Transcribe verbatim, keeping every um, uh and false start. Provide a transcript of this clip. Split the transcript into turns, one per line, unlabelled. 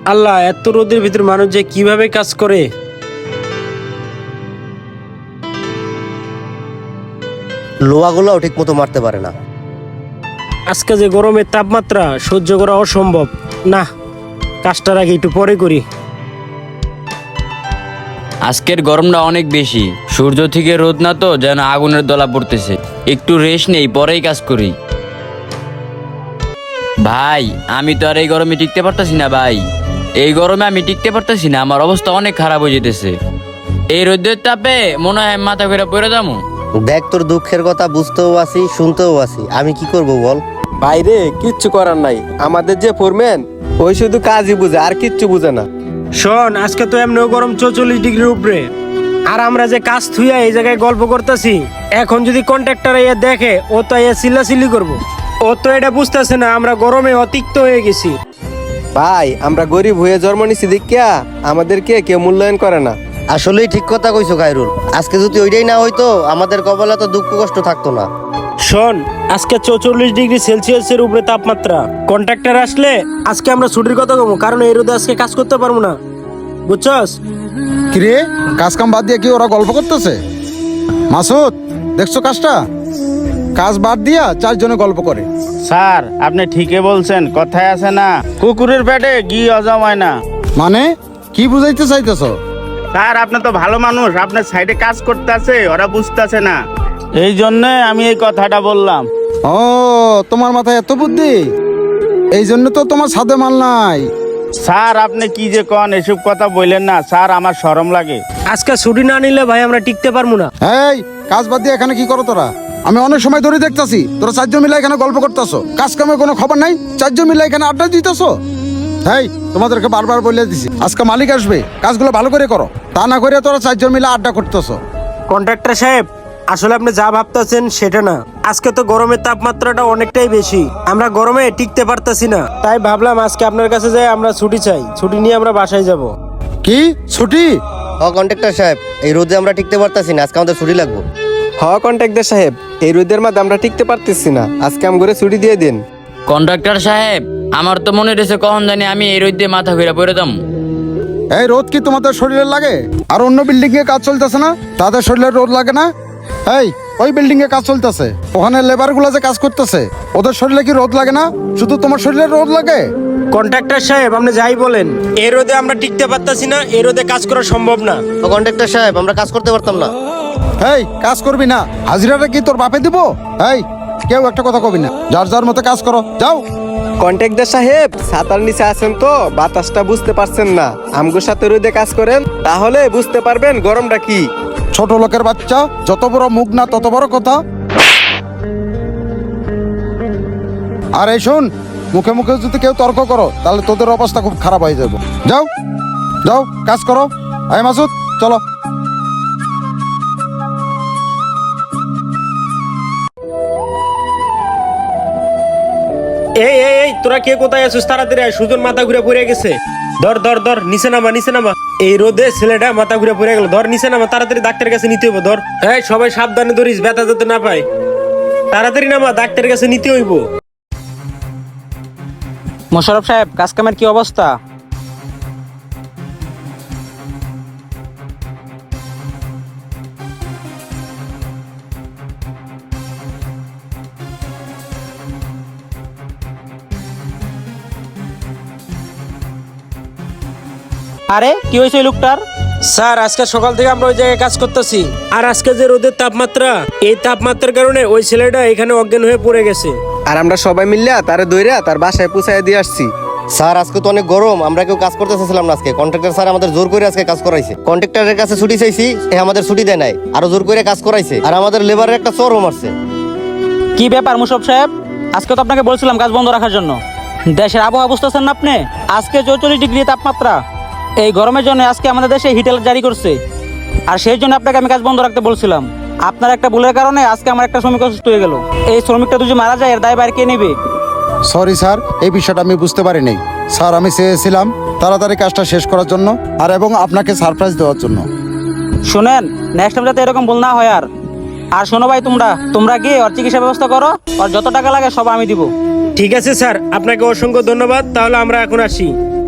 আল্লাহ, এত রোদের ভিতর মানুষ যে কিভাবে কাজ করে।
লোহাগুলোও ঠিক মতো মারতে পারে না।
আজকে যে গরমের তাপমাত্রা সহ্য করা অসম্ভব। না, কাজটার আগে একটু পরে করি।
আজকের গরমটা অনেক বেশি, সূর্য থেকে রোদ না তো যেন আগুনের দলা পড়তেছে। একটু রেস্ট নেই, পরেই কাজ করি। ভাই, আমি তো আর এই গরমে টিকতে পারতাছি না ভাই। এই গরমে আমি টিকতে পারতাছি না, আমার অবস্থা অনেক খারাপ হয়ে যেতেছে। এই রোদের তাপে মনে হয় মাথা ঘুরে পড়ে যাবো।
দেখ, তোর দুঃখের কথা বুঝতেও আছি, শুনতেও আছি, আমি কি করব বল।
বাইরে কিচ্ছু করার নাই, আমাদের যে ফোরম্যান ওই শুধু কাজই বুঝে আর কিচ্ছু বুঝে না।
শোন, আজকে তো এমনিও গরম চৌচল্লিশ ডিগ্রির উপরে, আর আমরা যে কাজ থুইয়া এই জায়গায় গল্প করতেছি। এখন যদি কন্ট্রাক্টর এ দেখে, ও তো এ চিল্লাচিল্লি করবো। ও তো এটা বুঝতেছে না আমরা গরমে অতিক্ত হয়ে গেছি।
ভাই, আমরা গরিব হয়ে জন্ম নিছি দেখিয়া আমাদেরকে কেউ মূল্যায়ন করে না।
আসলেই ঠিক কথা কইছো খায়রুল। আজকে যদি ওইটাই না হইতো, আমাদের কপালে তো দুঃখ কষ্ট থাকতো না।
শোন, আজকে চৌচল্লিশ ডিগ্রি সেলসিয়াসের উপরে তাপমাত্রা। কন্ট্রাক্টর আসলে আজকে আমরা ছুটির কথা কমো, কারণ এই রোদে আজকে কাজ করতে পারবো না, বুঝছস?
কিরে, কাজ কাম বাদ দিয়ে কি ওরা গল্প করতেছে? মাসুদ, দেখছো কাজটা? কাজ বাদ দিয়া চারজনে গল্প করে।
স্যার, আপনি ঠিকই বলছেন, কথায় আছে না, কুকুরের পেটে ঘি অজমায় না।
মানে কি বুঝাইতে চাইতেছ?
স্যার, আপনি তো ভালো মানুষ, আপনার সাইডে কাজ করতে আছে, ওরা বুঝতেছে না, এই জন্য আমি এই কথাটা বললাম।
ও, তোমার মাথায় এত বুদ্ধি, এই জন্য তো তোমার সাথে মাল নাই।
স্যার, আপনি কি যে কন, এসব কথা বললেন না স্যার, আমার শরম লাগে।
আজকে ছুটি না নিলে ভাই আমরা টিকতে পারবো না।
এই, কাজ বাদ দিয়ে এখানে কি করো তোরা? আমি অনেক সময় ধরে দেখতাছি তোরা চারজন মিলে এখানে গল্প করতেছো, কাজ কামে কোনো খবর নাই, চারজন মিলে এখানে আড্ডা দিতেছো। এই, তোমাদেরকে বারবার বলে দিছি, আজকে মালিক আসবে, কাজগুলো ভালো করে করো, তা না করে তোরা চারজন মিলে আড্ডা করতেছো।
কন্ট্রাক্টর সাহেব, আসলে আপনি যা ভাবতেছেন সেটা না। আজকে তো গরমের তাপমাত্রাটা অনেকটাই বেশি, আমরা গরমে টিকতে পারতাছি না। তাই ভাবলাম আজকে আপনার কাছে যাই, আমরা ছুটি চাই, ছুটি নিয়ে আমরা বাসায় যাব।
কি ছুটি?
ও কন্ট্রাক্টর সাহেব, এই রোদে আমরা টিকতে পারতাছি না, আজকে আমাদের ছুটি লাগবে।
হ কন্ট্রাক্টর সাহেব, এই রোদের মধ্যে আমরা টিকতে পারতেছি না, আজকে আম করে ছুটি দিয়ে দিন।
কন্ট্রাক্টর সাহেব, আমার তো মনে হয়েছে কখন জানি আমি এই রোদ দিয়ে মাথা ঘুরে পড়ে যাবো।
এই রোদ কি তোমাদের শরীরে লাগে? আর অন্য বিল্ডিং এ কাজ চলতেছে না, তাদের শরীরে রোদ লাগে না? এই, ওই বিল্ডিং এ কাজ চলতেছে, ওখানে লেবার গুলা যে কাজ করতেছে, ওদের শরীরে কি রোদ লাগে না? শুধু তোমার শরীরে রোদ লাগে?
কন্ট্রাক্টর সাহেব, আপনি যাই বলেন, এই রোদে আমরা টিকতে পারতাছি না, এই রোদে কাজ করা সম্ভব না।
ও কন্ট্রাক্টর সাহেব, আমরা কাজ করতে পারতাম না।
এই, কাজ করবি না, হাজিরাটা কি তোর বাপে দিব? এই, কেউ একটা কথা কবি না, যার যার মতো কাজ করো, যাও।
কন্ট্রাক্টর সাহেব, ছাতার নিচে আছেন তো বাতাসটা বুঝতে পারছেন না, আমগোর সাথে রোদে কাজ করেন, তাহলে বুঝতে পারবেন গরমটা কি।
ছোট লোকের বাচ্চা, যত বড় মুখ না তত বড় কথা। আর এই শোন, মুখে মুখে যদি কেউ তর্ক করো, তাহলে তোদের অবস্থা খুব খারাপ হয়ে যাবে। যাও যাও, কাজ করো। এই মাসুদ, চলো।
এই এই এই, তোরা কে কোথায় আছিস? তাড়াতাড়ি আয়, সুজন মাথা ঘুরে পড়ে গেছে। ধর ধর ধর, নিচে নামা, নিচে নামা। এই রোদে ছেলেটা মাথা ঘুরে পড়ে গেল, ধর নিচে নামা, তাড়াতাড়ি ডাক্তারের কাছে নিতে হইব। ধর, এই সবাই সাবধানে ধরিস, ব্যথা যাতে না পায়। তাড়াতাড়ি নামা, ডাক্তারের কাছে নিতে হইব।
মোশাররফ সাহেব, কাজ কামের কি অবস্থা? আরে কি হয়েছে এই লোকটার?
স্যার, আজকে সকাল থেকে আমরা ওই জায়গায় কাজ করতেছি, আর আজকে যে রোদের তাপমাত্রা, এই তাপমাত্রার কারণে ওই ছেলেটা এখানে অজ্ঞান হয়ে পড়ে গেছে।
আর আমরা সবাই মিললে তারে দইরা তার বাসায় পৌঁছায় দিয়ে আসছি।
স্যার, আজকে তো অনেক গরম, আমরা কেউ কাজ করতে চাইছিলাম না আজকে। কন্ট্রাক্টর স্যার আমাদের জোর করে আজকে কাজ করাইছে। কন্ট্রাক্টরের কাছে ছুটি চাইছি, এ আমাদের ছুটি দেয় নাই, আরো জোর করে কাজ করাইছে, আর আমাদের লেবারের একটা চরও মারছে।
কি ব্যাপার মোশাররফ সাহেব? আজকে তো আপনাকে বলছিলাম কাজ বন্ধ রাখার জন্য। দেশের আবহাওয়া বুঝতেছেন না আপনি? আজকে চৌচল্লিশ ডিগ্রি তাপমাত্রা, এই গরমের জন্য আজকে আমাদের দেশে হিট অ্যালার্ট জারি করছে, আর সেই জন্য আপনাকে আমি কাজ বন্ধ রাখতে বলছিলাম। আপনার একটা ভুলের কারণে আজকে আমার একটা শ্রমিক অসুস্থ হয়ে গেল। এই শ্রমিকটা যদি মারা যায়, এর দায় বাইরে কে নেবে?
সরি স্যার, এই বিষয়টা আমি বুঝতে পারিনি। স্যার, আমি চেয়েছিলাম তাড়াতাড়ি কাজটা শেষ করার জন্য, আর এবং আপনাকে সারপ্রাইজ দেওয়ার জন্য।
শুনেন, নেক্সট টাইম যাতে এরকম ভুল না হয়। আর আর শোনো ভাই, তোমরা তোমরা গিয়ে ওর চিকিৎসা ব্যবস্থা করো, আর যত টাকা লাগে সব আমি দিব।
ঠিক আছে স্যার, আপনাকে অসংখ্য ধন্যবাদ। তাহলে আমরা এখন আসি।